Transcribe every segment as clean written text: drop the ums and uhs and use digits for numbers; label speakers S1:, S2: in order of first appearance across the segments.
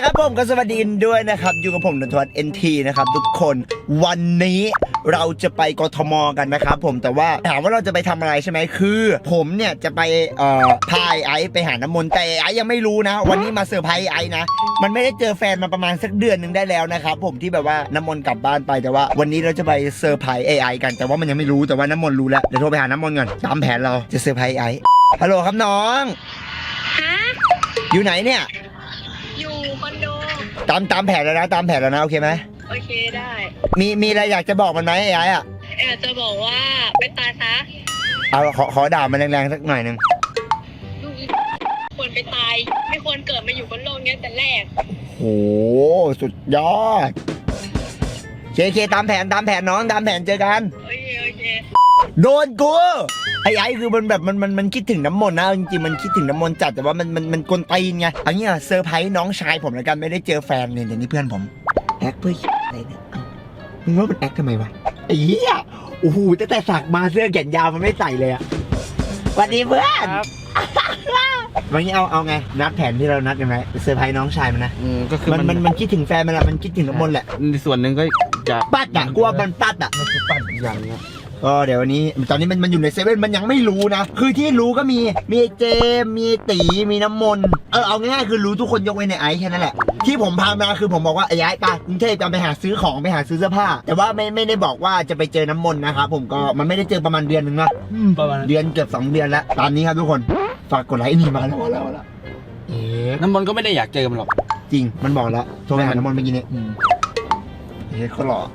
S1: ครับผมก็สวัสดีด้วยนะครับอยู่กับผมนนทวัฒน์ NT นะครับทุกคนวันนี้เราจะไปกทมกันนะครับผมแต่ว่าถามว่าเราจะไปทำอะไรใช่ไหมคือผมเนี่ยจะไปพาไอซ์ไปหาน้ำมนต์แต่ไอซ์ยังไม่รู้นะวันนี้มาเซอร์ไพรส์ไอซ์นะมันไม่ได้เจอแฟนมาประมาณสักเดือนนึงได้แล้วนะครับผมที่แบบว่าน้ำมนต์กลับบ้านไปแต่ว่าวันนี้เราจะไปเซอร์ไพรส์ไอซ์กันแต่ว่ามันยังไม่รู้แต่ว่าน้ำมนต์รู้แล้วเดี๋ยวโทรไปหาน้ำมนต์ก่อนตามแผนเราจะเซอร์ไพรส์ไอซ์ฮัลโหลครับน้องอยู่ไหนเนี่ย
S2: อยู่คอนโด
S1: ตามแผนแล้วนะตามแผนแล้วนะโอเคไหม
S2: โอเคได้
S1: มีอะไรอยากจะบอกมันไหมไอ้อะ
S2: จะบอกว่าไปตายซะ
S1: เอาขอด่ามันแรงๆสักหน่อยนึง
S2: ลูกควรไปตายไม่ควรเกิดมาอยู่บนโลกนี้แต่แรก
S1: โอ้สุดยอดเคตามแผนน้องตามแผนเจอกัน
S2: โอเค
S1: โดนกูไอ้คือมันแบบมันคิดถึงน้ำมนต์นะจริงๆมันคิดถึงน้ำมนต์จัดแต่ว่ามันกลตีนไงอันนี้เซอร์ไพรส์น้องชายผมแล้วกันไม่ได้เจอแฟนเนี่ยเดี๋ยวนี้เพื่อนผมแอคเพื่ออะไรเนี่ยมึงว่ามันแอคทำไมวะไอ้เหี้ยโอ้โหตั้งแต่สักมาเสื้อแขนยาวมันไม่ใส่เลยอะสวัสดีเพื่อนวันนี้เอาไงนัดแผนที่เรานัดกันไหมเซอร์ไพรส์น้องชายมันนะ
S3: ก็คือ
S1: มันคิดถึงแฟนมันแหละมันคิดถึงน้ำมนต์แหละ
S3: ในส่วนหนึ่งก็จะ
S1: ปัดอะกลัวมันปัดอะ
S3: มันคือปัดอย่างเงี้ย
S1: ก็เดี๋ยววันนี้ตอนนี้มันอยู่ในเซเว่นมันยังไม่รู้นะคือที่รู้ก็มีเจมมีตีมีน้ำมนต์เอาง่ายๆคือรู้ทุกคนยกเว้นในไอซ์แค่นั้นแหละที่ผมพามาคือผมบอกว่าไอ้ไอ้ไปกรุงเทพกันไปหาซื้อของไปหาซื้อเสื้อผ้าแต่ว่าไม่ได้บอกว่าจะไปเจอน้ำมนต์นะครับผมก็มันไม่ได้เจอประมาณเดือนนึงนะ
S3: ประมาณ
S1: เดือนเกือบ2 เดือนแล้วตามนี้ครับทุกคนฝากกดไลค์นี่มาแล้ว
S3: น้ำมนต์ก็ไม่ได้อยากเจอมันหรอก
S1: จริงมันบอกแล้วโทรไปหาน้ำมนต์เมื่อกี้นี้เขาหล่อ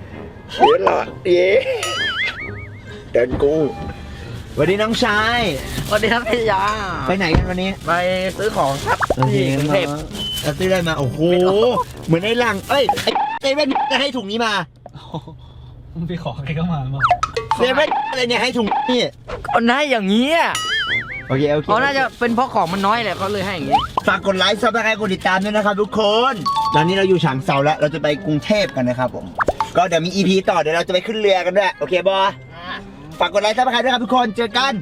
S1: เดินกูสวัสดีน้องชาย
S3: สวัสดีครับพี่ยา
S1: ไปไหนกันวันนี้
S3: ไปซื้อของครับที่กรุงเทพ
S1: ซื้อได้มาโอ้โหเหมือนไอ้หลังเอ้ยเซเว่นจะให้ถุงนี้มา
S3: พี่ขอใครก็มา
S1: เซเว่นอะไรเนี่ยให้ถุงนี่
S3: ก็ได้อย่างนี้
S1: โอเค
S3: เขาน่าจะเป็นเพราะของมันน้อยแหละเขาเลยให้อย่างนี้
S1: ฝากกดไลค์ซับสไครต์กดติดตามด้วยนะครับทุกคนตอนนี้เราอยู่ฉางเซาแล้วเราจะไปกรุงเทพกันนะครับผมก็เดี๋ยวมี EP ต่อเดี๋ยวเราจะไปขึ้นเรือกันด้วยโอเคบอฝากกดไลค์ซับสไครต์ด้วยครับทุกคนเจอกัน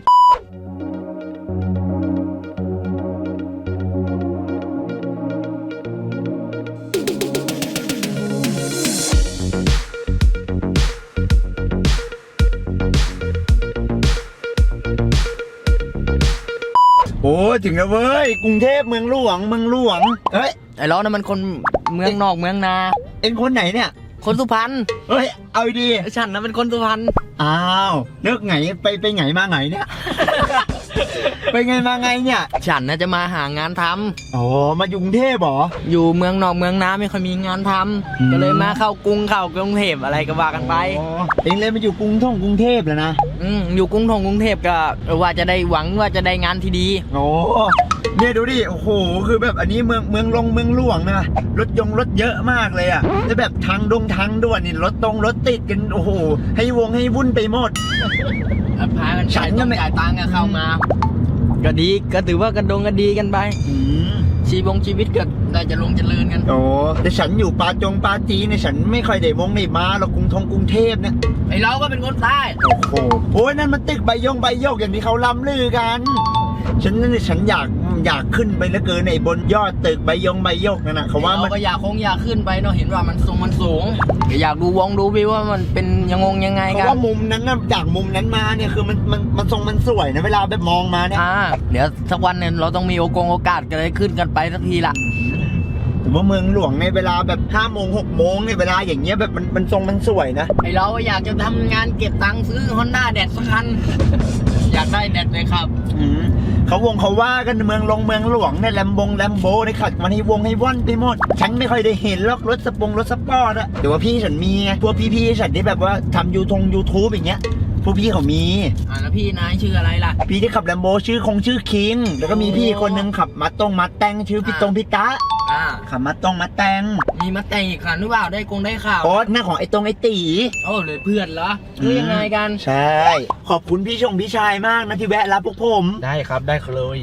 S1: โอ้ถึงแล้วเว้ยกรุงเทพเมืองหลวงเฮ้ย
S3: ไอ้ล้อนั่นมันคนเมืองนอกเมืองนา
S1: เอ็งคนไหนเนี่ย
S3: คนสุพรรณ
S1: เฮ้ยเอาดี
S3: ฉันนะเป็นคนสุพรรณ
S1: อ้าวเลิกไงไปไงมาไงเนี่ย ไปไงมาไงเนี่ย
S3: ฉันน่าจะมาหางานท
S1: ำอ๋อมาอยู่กรุงเทพเหรอ
S3: อยู่เมืองนอกเมืองนาไม่ค่อยมีงานทำก็เลยมาเข้ากรุงเทพอะไรก็ว่ากันไป
S1: เอ็งเลยมาอยู่กรุงเทพแล้วนะ
S3: อยู่กรุงเทพก็ว่าจะได้หวังว่าจะได้งานที่ดี
S1: โอ้เนี่ยดูดิโอ้โหคือแบบอันนี้เมืองหลวงนะรถเยอะมากเลยอ่ะแล้วแบบทางด่วนนี่รถติดกันโอ้โหให้วุ่นไปหมด
S3: พากันฉันก็ไม่จ่ายตังค์เข้ามาก็ดีก็ถือว่ากระดงก็ดีกันไปชีวิตก็ได้จะเจริญกัน
S1: โอ้แต่ฉันอยู่ปาจีเนี่ยฉันไม่ค่อยได้มาหรอกกรุงเทพเนี่ย
S3: ไอเราก็เป็นคนใต้
S1: โอ้ยนั่นมันตึกใบโยกอย่างที่เขาล้ำลือกันฉันอยากขึ้นไปเหลือเกินในบนยอดตึกใบโยกนั่นนะเขาว่า
S3: มันก็อยากขึ้นไปเนาะเห็นว่ามันสูงอยากดูวิวว่ามันเป็นยังไงกัน
S1: เพราะว่ามุมนั้นนะจากมุมนั้นมาเนี่ยคือมันสวยนะเวลาแบบมองมาเนี่ย
S3: เดี๋ยวสักวันเนี่ยเราต้องมีโอกาสกันเลยขึ้นกันไปสักทีละ
S1: แต่ว่าเมืองหลวงในเวลาแบบ5 โมง 6 โมงในเวลาอย่างเงี้ยแบบมันสวยนะ
S3: ไอเราอยากจะทำงานเก็บตังค์ซื้อ Honda แดดสักคัน อยากได้แดดเลยครับ
S1: เขาว่ากันเมืองหลวงเนี่ยแลมโบในขัดมันให้ว่อนไปหมดฉันไม่ค่อยได้เห็นรถสปอร์ตอะแต่ว่าพี่ฉันมีไงพวกพี่ฉันที่แบบว่าทำYouTubeอย่างเงี้ยพวกพี่เขามี
S3: แล้วพี่นายชื่ออะไรล่ะ
S1: พี่ที่ขับแลมโบชื่อคิงแล้วก็มีพี่คนนึงขับมัดแตงชื่อพี่ตะขับมัดแตง
S3: มีมัดแตงอีกคันหรือเปล่าได้ข่าว
S1: อ๋อหน้าของไอ้ตี
S3: โอ้เลยเพื่อนเหรอคือยังไงกัน
S1: ใช่ขอบคุณพี่ชายมากนะที่แวะรับพวกผม
S3: ได้ครับได้เลย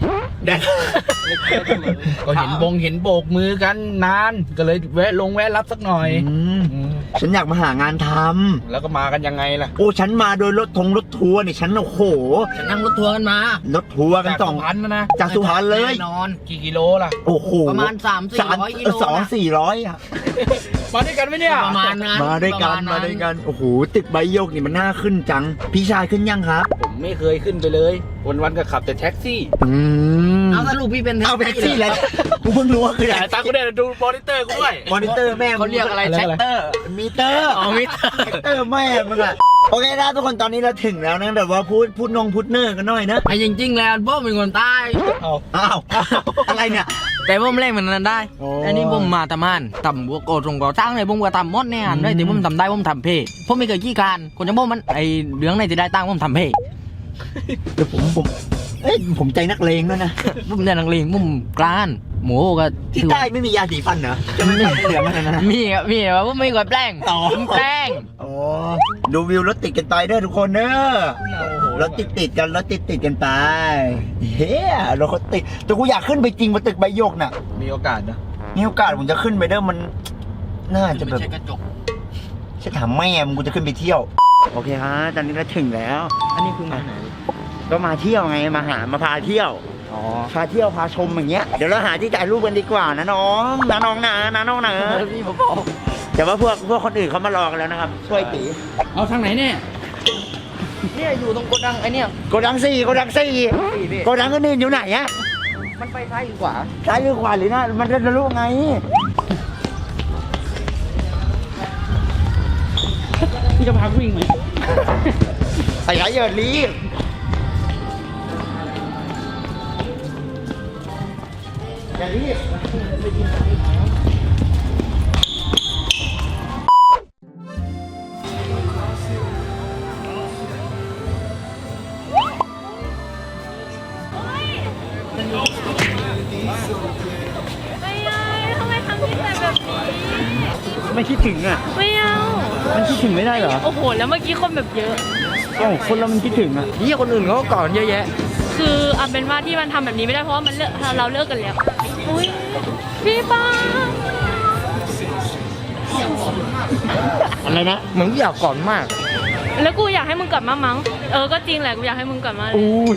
S3: ก็เห็นโบกมือกันนานก็เลยแวะรับสักหน่อย
S1: ฉันอยากมาหางานทำ
S3: แล้วก็มากันยังไงล่ะ
S1: โอ้ฉันมาโดยรถทัวร์นี่ฉันโอ้โห
S3: ฉันนั่งรถทัวร์กันมาร
S1: ถทัวร์กันสอง
S3: พันนะ
S1: จากสุพรรณเลย
S3: แน่นอนกี่กิโลล่ะ
S1: โอ้โห
S3: ประมาณ300-400 กิโลนะ
S1: 200-400อะ
S3: มาด้วยกันไหมเนี่ยประมาณนั้น
S1: มาด้วยกัน
S3: ประ
S1: มา
S3: ณ
S1: ด้วยกันโอ้โหตึกใบโยกนี่มันน่าขึ้นจัง พี่ชายขึ้นยังครับ
S3: ผมไม่เคยขึ้นไปเลย วันๆก็ขับแต่แท็กซี่ เอาสรุปพี่เป็น
S1: เอาไปแท็กซี่แล้วกูเพิ่งรู้ว่าคืออะไร
S3: จ่ายตังค์กูได้ดูมอนิเตอร์กูด้วย
S1: มอนิเตอร์แม่
S3: เขาเรียกอะไรแท็กเตอร์
S1: มิเตอร์
S3: อ๋อมิเตอร์
S1: แท็กเตอร์แม่มึงอะโอเคนะทุกคนตอนนี้เราถึงแล้วนะแบบว่าพูดเนอร์กันหน่อยนะ
S3: ไอ้จริงๆแล้วผมเป็นคนใต้
S1: อ้าวอะไรเนี่ย
S3: แต่ผมเล่นมันนั้นได้
S1: โอ้
S3: อันนี้ผมมาทำงานทำบัวโกตรงก่อสร้างเลยผมก็ทำมดเนี่ยได้แต่ผมทำได้ผมทำเพย์ผมไม่เคยขี้การคนจะบอกมันไอเรื่องไหนที่ได้ตังค์ผมทำเพย์
S1: เดี๋ยวผมเอ้ยผมใจนักเลงด้วยนะ
S3: ผมเรียนนักเรียนผมกลานหมูก็
S1: ที่ใต้ไม่มียาสีฟันเหรอจะไม่เหลืองอะไรนะ
S3: มีอ่ะมีว่าผมไม่กดแป้ง
S1: อ๋อ
S3: ผมแป้ง
S1: โอ้ดูวิวรถติดกันไปเด้อทุกคนเด้อรถติดกันรถติดกันไปเฮ้ยรถเขาติดแต่กูอยากขึ้นไปจริงบนตึกใบโยกน่ะ
S3: มีโอกาสนะ
S1: มีโอกาสผมจะขึ้นไปเด้อมันน่าจะแบบ
S3: ไม่ใช่กระจก
S1: ฉันถามแม่มึงกูจะขึ้นไปเที่ยวโอเคฮะตอนนี้เราถึงแล้ว
S3: อันนี้คือมาไหน
S1: ก็มาเที่ยวไงมาพาเที่ยว
S3: อ๋อ
S1: พาเที่ยวพาชมอย่างเงี้ยเดี๋ยวเราหาที่ถ่ายรูปกันดีกว่านะน้องนะน้องนะน้องนะ
S3: พี่ผมบอก
S1: แต่ว่าพวกคนอื่นเขามารอกันแล้วนะครับช่วยตี
S3: เอาทางไหนเนี่ยเนี่ยอยู่ตรงโกดังไอเนี่ย
S1: โกดังสี่โกดังอื่นอยู่ไหนอะ
S3: มันไปซ้ายหรือขวา
S1: ซ้ายหรือขวาหรือหน้ามันจะรู้ไง
S3: พี่จะพาวิ่งไหม
S1: ไอ้ไหนเยินรีบอย่ารีบ
S2: ไม่เอาทำไมทำนิสัยแบบนี้
S1: ไม่คิดถึงอ่ะ
S2: ไม่เอา
S1: มันคิดถึงไม่ได้เหรอ
S2: โอ้โห แล้วเมื่อกี้คนแบบเยอะ
S1: เอ้าคนเรามันคิดถึงอ่ะ
S3: นี่คนอื่นเขาก็ก่อนเยอะแยะ
S2: คือเอาเป็นว่าที่มันทำแบบนี้ไม่ได้เพราะว่ามันเราเลิกกันแล้ว อุ้ยพี่ป้า
S1: อะไรนะ
S3: เหมือนอยากก่อนมาก
S2: แล้วกูอยากให้มึงกลับมามั้ง ก็จริงแหละกูอยากให้มึงกลับมาเลย
S1: อู้ย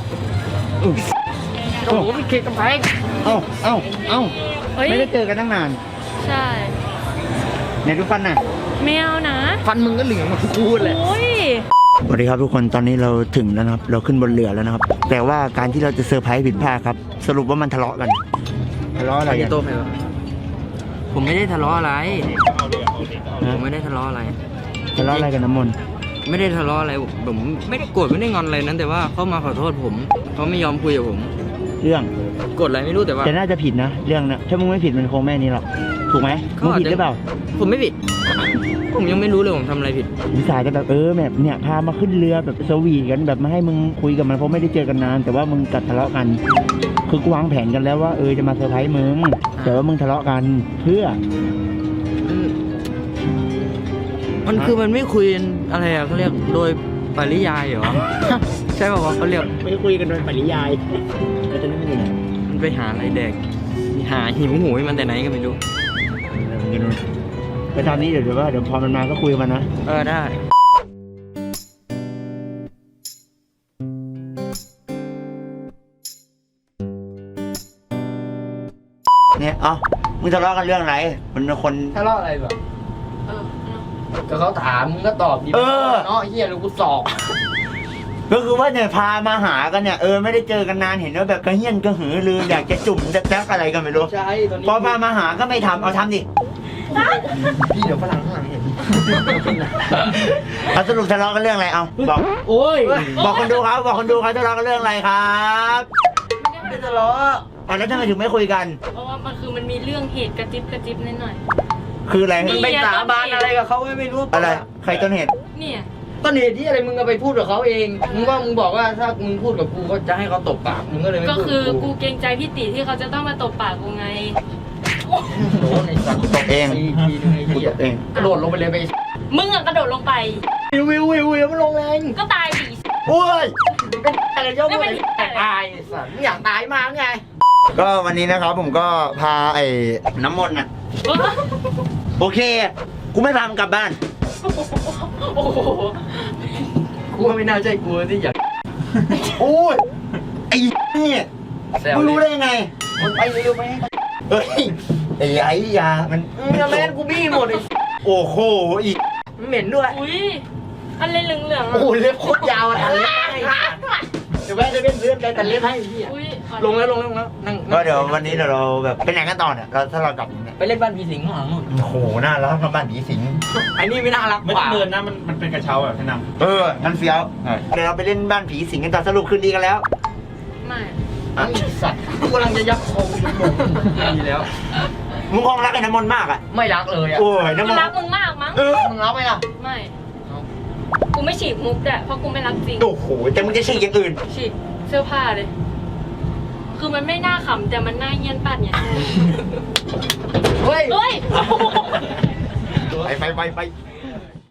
S3: โอ้โหพี่เคกำแพง
S1: เอ้า
S2: เฮ้ย
S1: ไม่ได้เจอกันตั้งนาน
S2: ใช่
S1: ไหนดูฟันน่ะ
S2: ไม่เอานะ
S3: ฟันมึงก็เหลืองหมดทุกคู่เลย
S2: โอ้ย
S1: สวัสดีครับทุกคนตอนนี้เราถึงแล้วนะครับ เราขึ้นบนเรือแล้วนะครับ แต่ว่าการที่เราจะเซอร์ไพรส์ผิดพลาดครับ สรุปว่ามันทะเลาะกันทะเลาะอะไร
S3: ใคร
S1: กั
S3: จะ
S1: น
S3: โตไปวะผมไม่ได้ทะเลาะอะไร ผมไม่ได้ทะเลาะอะไร
S1: ทะเลาะอะไรกันน้ำมนต์
S3: ไม่ได้ทะเลาะอะไร ผมไม่ได้โกรธไม่ได้งอนอะไรนั้น แต่ว่าเขามาขอโทษผมเขาไม่ยอมคุยกับผม
S1: เรื่อง
S3: โกรธอะไรไม่รู้แต่ว่า
S1: แต่น่าจะผิดนะเรื่องนะถ้ามึงไม่ผิดมันคงไม่นี้หรอกถูกไหมมึงผิดหรือเปล่า
S3: ผมไม่ผิด ผมยังไม่รู้เลยผมทำอะไรผิด
S1: นิสัยจะแบบแบบเนี่ยพามาขึ้นเรือแบบสวีทกันแบบมาให้มึงคุยกับมันเพราะไม่ได้เจอกันนาน แต่ว่ามึงกัดทะเลาะกัน คือกูวางแผนกันแล้วว่าจะมาเซอร์ไพรส์มึงแต่ว่ามึงทะเลาะกันเพื่อ
S3: มันคือมันไม่คุยอะไรอะเขาเรียกโดยปริยายเหรอ ใช่ป่าววะเขาเรียก
S1: ไม่คุยกันโดยปริยายแล้วตอนนี้มันอยู่ไหน
S3: มันไปหาอะไรแดกหาหิวโหยมันแต่ไหนก็ไม่รู้
S1: ไปตอนนี้เดี๋ยวว่าเดี๋ยวพอมันมาก็คุยกับมันนะ
S3: ได้
S1: เนี่ยมึงทะเลาะกันเรื่องอะไรมันเป็นคน
S3: ทะเลาะอะไรแบบก็เขาถามมึงก็ตอบดีเนาะเฮียลูกกูสอก
S1: ก็คือว่าเนี่ยพามาหากันเนี่ยไม่ได้เจอกันนานเห็นว่าแบบกระเฮี้ยนกระหือรืออยากจะจุ่มจะแจ๊กอะไรกันไม่รู้
S3: ใช่ตอนนี้
S1: พอพามาหาก็ไม่ทำเอาทำดิ
S3: พี่เดี๋ยวฝรั่งข้างหลังเห็น
S1: เอาสรุปทะเลาะกันเรื่องอะไรเอาบอก
S3: โอ้ย
S1: บอกคนดูครับทะเลาะกันเรื่องอะไรครับ
S3: ไม่ได้ทะเลาะ
S1: แล้วทำไมถึงไม่คุยกัน
S2: เพราะว่ามันมีเรื่องเหตุกระจิบกระจิบนิดหน่อย
S1: คืออะไร
S3: มึงไปสาบานอะไรกับเขาไม่รู้
S1: อะไรใครต้นเหตุ
S2: เนี่ย
S3: ต้นเหตุที่อะไรมึงก็ไปพูดกับเขาเองมึงบอกว่าถ้ามึงพูดกับกูก็จะให้เขาตบปากมึงก็เลยไม่
S2: ก็
S3: พูด
S2: คือกูเกรงใจพี่ติที่เขาจะต้องมาตบปากกูไง
S3: โดนไอ้สัตว์
S1: ตบเอง
S3: ทีนึงไอ้
S1: กู
S3: เหี้
S1: ต
S3: ย
S1: บเอง
S3: กระโดดลงไปเลยไป
S2: มึงอะกระโดดลงไป
S3: วิวมันลงแรง
S2: ก็ตายดิ
S1: โอ้ย
S3: เป็นอะไรเจ้า
S2: แล้วเป็น
S3: ตายไอ้สัตว์ไม่อยากตายมากไง
S1: ก็วันนี้นะครับผมก็พาไอ้น้ำมนต์น่ะโอเคกูไม่พามึงกลับบ้าน
S3: โอ้โหกูว่าไม่น่าใช่กูที่อยาก
S1: โอ้ยไอ้เนี่ย
S3: แซว
S1: มึงรู้ได้ยังไง
S3: มันไปเร็วไป
S1: เฮ้ยไอ้ยามัน
S3: แม่นกูบี้หมดเลย
S1: โอ้โหอีก
S3: มันเหม็นด้วย
S2: อุ้ยอะไรเหลืองๆ
S3: โอ้
S2: อ่ะ
S3: โหเล็บโคตรยาวอ่ะตัดเล็บให้เดี๋ยวแม่จะเป็นเพื่อนกันตัดเล็บให้พี่อ่ะ
S2: อุ้ย
S3: ลงแล้วนั่ง
S1: ก็เดี๋ยววันนี้เดี๋ยวเราแบบไปไหนกันต่อเนี่ยเราถ้าเรากลับอย่างเนี่ย
S3: ไปเล่นบ้านผีสิงข้างหลังนู่น
S1: โอ้โหน่ารักทำบ้านผีสิง
S3: ไอ้นี่ไม่น่ารัก
S4: ไม่
S3: ก
S4: ต้อ
S3: ว่าง
S4: เดินนะมันเป็นกระเช้าแบบแนะน
S1: งั้นเฟี้ยวเดี๋ยวเราไปเล่นบ้านผีสิงกันต่อสรุปคืนดีกันแล้ว
S2: ไม่
S3: ไอ้สัตว์กูกำลังจะยักคอดีแล้ว
S1: มึงคงรักไอ้น้ำมนต์มากอ่ะ
S3: ไม่รักเลยอ่ะ
S1: โอ้ย
S2: กู
S1: น้ำมน
S2: รัก
S1: ต์
S2: มึงมากมั้ง
S3: มึงรักไหมล่ะ
S2: ไม่ กูไม่ฉีกมุกแต่เพราะกูไม่รักจริง
S1: โอ้โหแต่มึงจะฉีกอย่างอื่น
S2: ฉีกเสื้อผ้าเลย คือมันไม่น่าขำแต่มันน่าเยียนปัดเนี่ย
S3: เฮ้ย
S2: เฮ้ย
S1: ไป